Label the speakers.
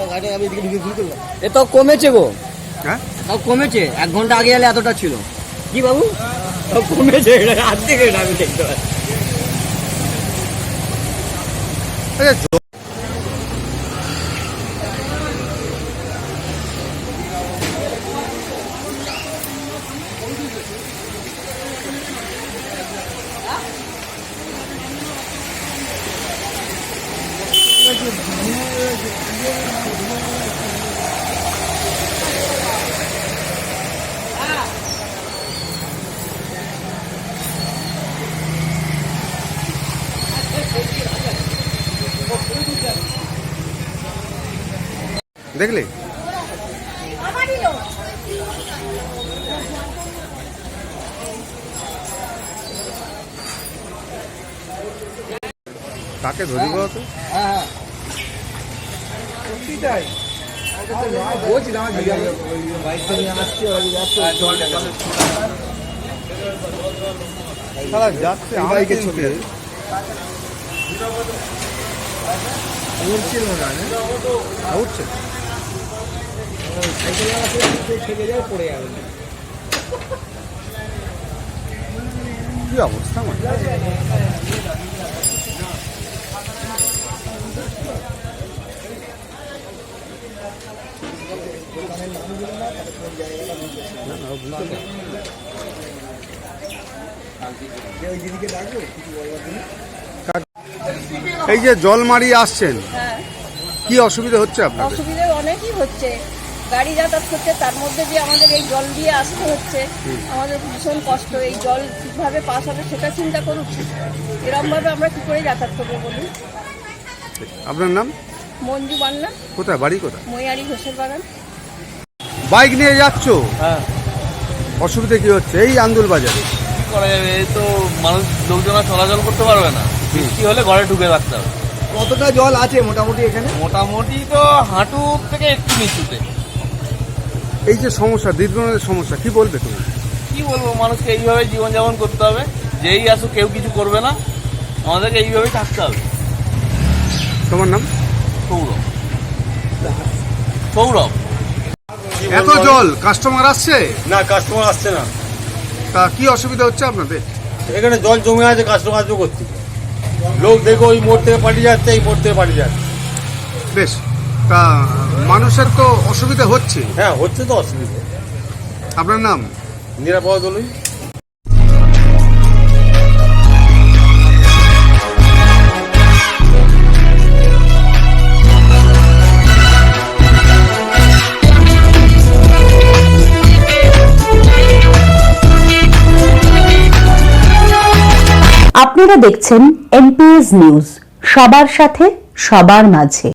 Speaker 1: এ তো কমেছে গো। হ্যাঁ তাও কমেছে, 1 ঘন্টা আগে এলে এতটা ছিল। কি বাবু তাও কমেছে, হাত থেকে আমি দেখতে পাচ্ছি।
Speaker 2: দেখলে কাকে ধরিব তো?
Speaker 1: হ্যাঁ
Speaker 2: যাচ্ছে বাইকে ছুটে উঠছে কি অবস্থা এই যে জল মারিয়ে আসছেন, কি অসুবিধা হচ্ছে আপনাদের?
Speaker 3: অসুবিধা অনেকই হচ্ছে, গাড়ি যাতায়াত করছে, তার মধ্যে যে আমাদের এই জল দিয়ে আসতে হচ্ছে, আমাদের ভীষণ কষ্ট। এই জল কিভাবে পাস হবে সেটা চিন্তা করুন। এরকম ভাবে আমরা কি করে যাতায়াত করবো বলুন?
Speaker 2: আপনার নাম?
Speaker 3: মঞ্জু বান্না।
Speaker 2: কোথায় বাড়ি? কোথায়?
Speaker 3: মৈয়ারি ঘোষের বাগান।
Speaker 2: বাইক নিয়ে যাচ্ছ?
Speaker 1: হ্যাঁ।
Speaker 2: অসুবিধা কি হচ্ছে এই আন্দুল বাজারে?
Speaker 4: কি করা যাবে, এই তো মানুষ লোকজন চলাচল করতে পারবে না, বৃষ্টি হলে ঘরে ঢুকে রাখতে হবে।
Speaker 1: কতটা জল আছে মোটামুটি এখানে?
Speaker 4: মোটামুটি তো হাঁটু থেকে একটু নিচুতে।
Speaker 2: এই যে সমস্যা, দীর্ঘদিনের সমস্যা, কি বলবে তুমি?
Speaker 4: কি বলবো, মানুষকে এইভাবে জীবনযাপন করতে হবে। যেই আসুক কেউ কিছু করবে না, আমাদেরকে এইভাবেই থাকতে হবে।
Speaker 2: তোমার নাম?
Speaker 4: সৌরভ। সৌরভ।
Speaker 2: এত জল, কাস্টমার আসছে
Speaker 5: না? কাস্টমার আসছে না।
Speaker 2: তা কি অসুবিধা হচ্ছে আপনাদের?
Speaker 5: এখানে জল জমে আছে, কাস্টমার আসবে করতে। লোক দেখো ওই মোড় থেকে পাঠিয়ে যাচ্ছে, এই মোড় থেকে পাঠিয়ে যাচ্ছে।
Speaker 2: বেশ, তা মানুষের তো অসুবিধা হচ্ছে।
Speaker 5: হ্যাঁ হচ্ছে তো অসুবিধা।
Speaker 2: আপনার নাম?
Speaker 5: নিরাপদ দলই।
Speaker 6: আপনারা দেখছেন এমপিএস নিউজ, সবার সাথে সবার মাঝে।